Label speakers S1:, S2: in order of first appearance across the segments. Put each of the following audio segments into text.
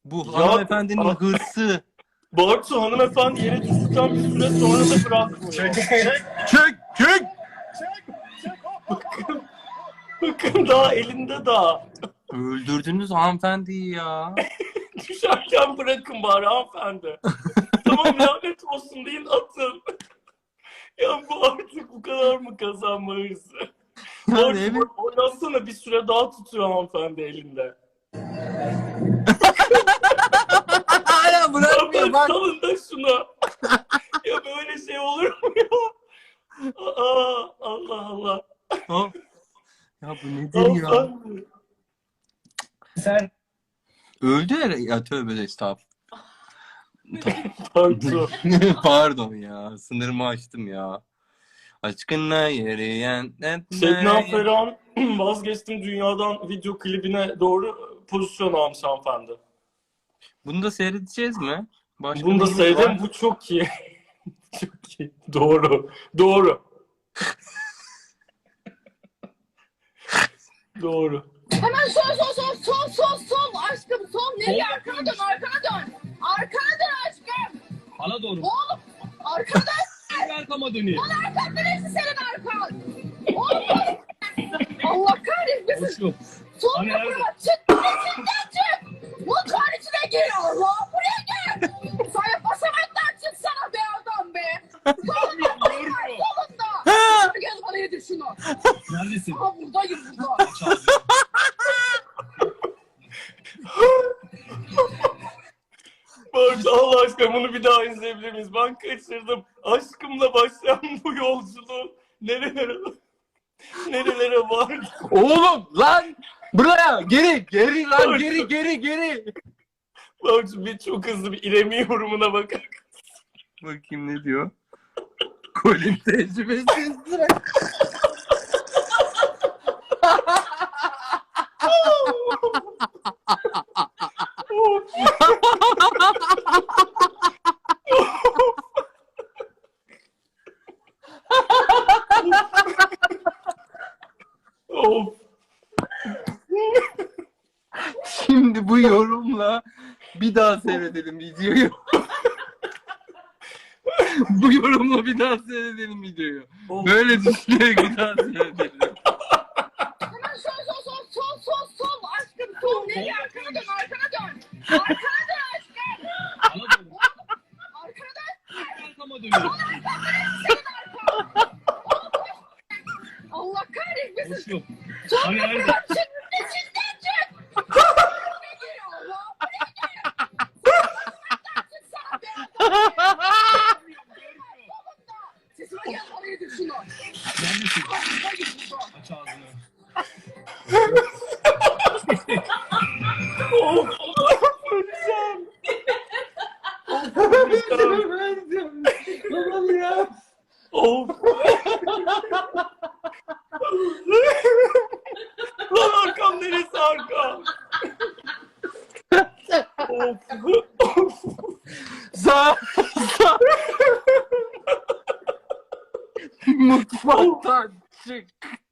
S1: Bu
S2: Ya,
S1: hanımefendinin hırsı.
S2: Bartu hanımefendi yere düştükten bir süre sonra da bırakmıyor.
S1: Çök!
S2: Bakın daha elinde daha.
S1: Öldürdünüz hanımefendiyi ya.
S2: Düşerken bırakın bari hanımefendi. Tamam lanet olsun deyin atın. Ya bu artık bu kadar mı kazanma hırsı?
S1: Yani evet.
S2: Bartu oynatsana bir süre daha tutuyor hanımefendi elinde.
S1: Hala bırakmıyor bak.
S2: Salın da şunu. Ya böyle şey olur mu ya? Aa, Allah Allah.
S1: Ha? Ya bu nedir ya?
S2: Hanımefendi.
S3: Sen
S1: Öldü herhalde. Ya tövbe de estağfurullah.
S2: Bartu.
S1: Pardon ya. Sınırımı aştım ya. Aşkına yeriyen...
S2: Şebnem Ferah'ın vazgeçtim dünyadan video klibine doğru pozisyon almış hanımefendi.
S1: Bunu da seyredeceğiz mi? Başka
S2: Bunu da
S1: neyimiz var?
S2: seyredin. Bu çok iyi. Çok iyi. Doğru. Doğru. Doğru.
S4: Hemen sol aşkım sol nereye arkana dön arkana dön aşkım
S3: bana doğru.
S4: oğlum arkana dön
S3: Ben arkama döneyim.
S4: arkan neresi senin arkan oğlum Allah kahretmesin
S3: Hoşum.
S4: sol
S3: Hani
S4: kapıya çık içinden çık mutfağın içine gir Allah buraya gel sana basamaktan çıksana be adam be solunda kapı var solunda gel bana yedir şunu
S3: Neredesin?
S4: aha buradayım burada
S2: Bartu Allah aşkına bunu bir daha izleyebilir miyiz? Ben kaçırdım. Aşkımla başlayan bu yolculuğu nerelere vardı?
S1: Oğlum lan! Buraya! Geri lan! Geri!
S2: Bartu bir çok hızlı bir İrem'i yorumuna bakar.
S1: Bakayım ne diyor? Kolin tecrübesiz direkt.
S2: Of.
S1: Şimdi bu yorumla bir daha seyredelim videoyu. Bu yorumla bir daha seyredelim videoyu.
S2: Of.
S1: Böyle düşünerek bir daha seyredelim.
S4: Hemen sol aşkım sol nereye arkana dön arkana dön aşkım
S3: Bana doğru.
S4: arkana dön
S3: Ben arkama döneyim.
S4: Allah kahretmesin
S3: Hoşum.
S4: sol
S3: Hani nerede?
S4: kapıya çık içinden çık buraya gel Allah buraya gel basamaktan çıksana be adam solunda sesime gel bana yedir şunu
S3: Neredesin?
S4: buradayım burada
S3: Aç ağzını.
S2: Of. Öleceğim. Öleceğim.
S1: Tamam ya.
S2: Of. Lan arkam neresi arkam? Of.
S1: Sağ. Mutfaktan çık.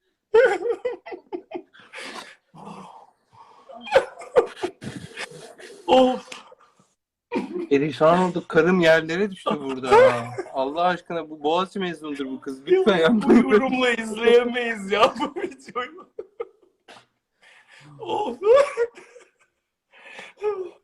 S2: Of.
S1: Perişan olduk. Karım yerlere düştü burada. Ha. Allah aşkına bu Boğaziçi mezunudur bu kız. Lütfen
S2: Bu
S1: yapma.
S2: yorumla izleyemeyiz ya bu videoyu. Of.